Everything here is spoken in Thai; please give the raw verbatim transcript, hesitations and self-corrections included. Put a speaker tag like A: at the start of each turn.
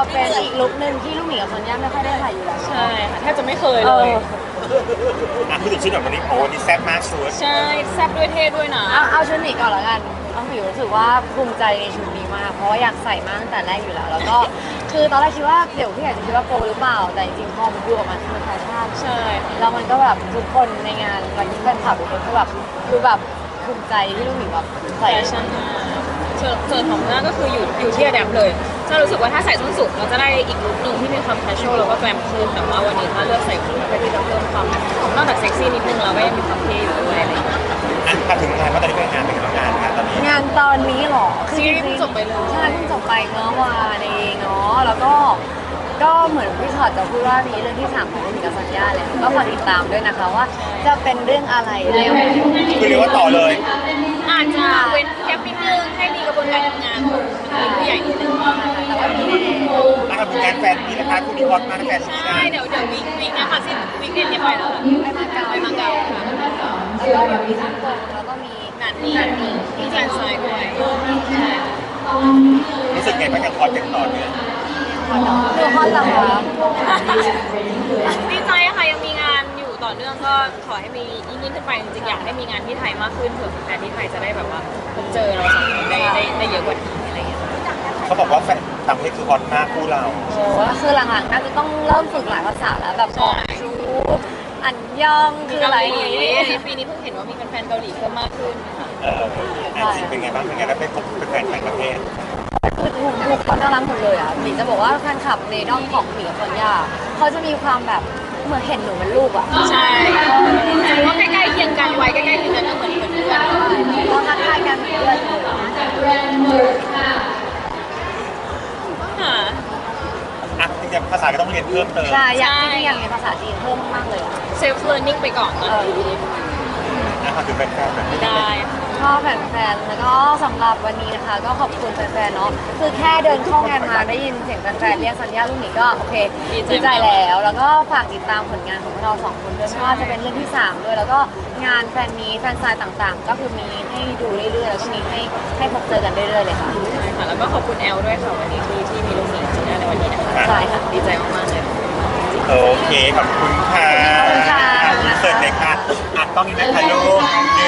A: เป็นอีกลุคนึงที่ลูกหมีกับซอนย่าไม่ค่อยได้ใส่อยู่แล้ว
B: ใช่ค่ะแทบจะไม่เคย
A: เอ
B: เลย
A: อ
C: อ่ะพูดถึงชุดแบบวันนี้โอ้วันนี้แซ่บมากชุด
B: ใช่แซ่บด้วยเท่ด้วยนะ
A: เอาเอาชุดหมีก่อนละกันน้องผิวรู้สึกว่าภูมิใจในชุดนี้มากเพราะว่าอยากใส่มาตั้งแต่แรกอยู่แล้ว แล้วก็คือตอนแรกคิดว่าเดี๋ยวพี่อาจจะคิดว่าโปรหรือเปล่าแต่จริงๆพอมันดูออกมาคือแฟชั่น
B: ใช่ค่ะ
A: แล้วมันก็แบบทุกคนในงานวันที่แฟนคลับทุกคนก็แบบดูแบบภูมิใจที่ลูกหมีแบบใส่
B: แฟชั่นมากส่วนส่วนของหน้าก็คืออยู่อยู่ที่อะแดปเลยจะรู้สึกว่าถ้าใส่ส้นสูงเราจะได้อีกลุคหนึ่งที่มีความแคชชวลแล้วก็แกรมขึ้นแต่ว่าวันนี้ถ้าเลือกใส่คู่เพื่อที่จะเพิ่มความนอกจากเซ็กซี่นิดนึงเราก็ยังมีความเท่อยู่ด้วยอะไรอย่างเงี้ย
C: อ่ะถ้าถึงงานว่าตอนนี้เป็นงานเป็นงานงานตอนนี้
A: งานตอนนี้เหรอ
B: ซีรีส์เพิ่งจบไปเลย
A: ใช่เพิ่งจบไปเมื่อวานเองเนาะแล้วก็ก็เหมือนพี่ชอตจะพูดว่ามีเรื่องที่สามของลูกหมีกับสัญญาเลยก็ฝากติดตามด้วยนะคะว่าจะเป็นเรื่องอะไรแล้ว
C: คือเรียกว่าต่อเลย
B: อาจจะเว้นแกปนิดนึงให้มีกระบวนการทำงานของทีมผู้ใหญ่นิดนึง
A: แต่ว่ามีแน่
C: อ่ะครับงานแฟนมีนะคะคู่นี้ฮอตมากนะแฟนมี
B: ใช่
C: นะ
B: เดี๋ยวเดี๋ยววิกวิกนะคะสิ้นวิกเอ็นเนี่ยไปแล้วค่ะ
A: ไปมาเก๊า
B: ไปมาเก๊าค่ะ
A: แล้วก็เดี๋ยวมีทั้งตรงแล้วก็มี
B: งานนี้มีแฟนไซด์ด้วยใช่
C: รู้สึกไงบ้างยังฮอตยังต่อเนื่อง
A: คือฮอตเหรอคะ
B: ดีใจค่ะยังมีงานอยู่ต่อเนื่องก็ขอให้มียิ่งยิ่งขึ้นไปจริงๆอยากให้มีงานที่ไทยมากขึ้นเผื่อแฟนที่ไทยจะได้แบบว่าพบเจอเราสองคนได้ได้ได้เยอะกว่านี้อะไรอย่างเงี้ย
C: เขาบอกว่าแฟนต่างประเทศคือฮอตมากคู่เรา
A: โอ้คือหลังๆน่าจะต้องเริ่มฝึกหลายภาษาแล้วแบบบอกชูอันยองคืออะไรอย่างงี้
B: ปีนี้เพิ่งเห็นว่ามีแฟนๆเกาหลีเพิ่มมากขึ้นค่ะ
C: เอออ่ะจริงเป็นไงบ้างเป็นไงแล้วไปพบแฟนต่างประเทศ
A: คือทุกทุกคนน่ารักหมดเลยอ่ะหมีจะบอกว่าแฟนคลับในด้อมของหมีกับซอนยาเขาจะมีความแบบเหมือนเห็นหนูเป็นลูกอ่ะ
B: ใช่เพราะใกล้ๆเคียงกันวัยใกล้ๆเคียงกันก็เหมือนเหมือนเพื่อน
A: เราทักทายกันเหมือนเพื่อนเลย
B: ค่ะ
C: อ่ะจริงๆภาษาก็ต้องเรียนเพิ่มเติม
A: ใช่อยากจริงๆอยากเรียนภาษาจีนเพิ่มมากเลยอ่ะ
B: เซลฟ์เลิร์นนิ่งไปก่อนตอนนี้
C: นะครับคือแฟนๆแบบนี้
B: ได้
A: ชอบแฟนๆแล้วก็สำหรับวันนี้นะคะ ก็ขอบคุณแฟนๆเนาะคือแค่เดินเข้างานมาได้ยินเสียงแฟนๆเรียกสัญญาลูกหมีก็โอเคดีใจแล้ว แล้วก็ฝากติดตามผลงานของพวกเราสองคนด้วยไม่ว่าจะเป็นเรื่องที่สามด้วยแล้วก็งานแฟนมีแฟนซายต่างๆ ก็คือมีให้ดูเรื่อยๆแล้วก็มีให้ให้พบเจอกันเรื่อยๆเลยค่ะ
B: ใช่ค่ะแล้วก็ขอบคุณแอลด้วยค่ะวันนี้ที่ที่มีลูกหมีจีน่าในวันนี้นะคะ
A: ใช่ค่ะ
B: ดีใจมากๆเลย
C: โอเคขอบคุณค่ะ
A: ขอบคุณค่ะ
C: เสิร์ฟเลยค่ะอ่ะต้องนี้นะคะลูก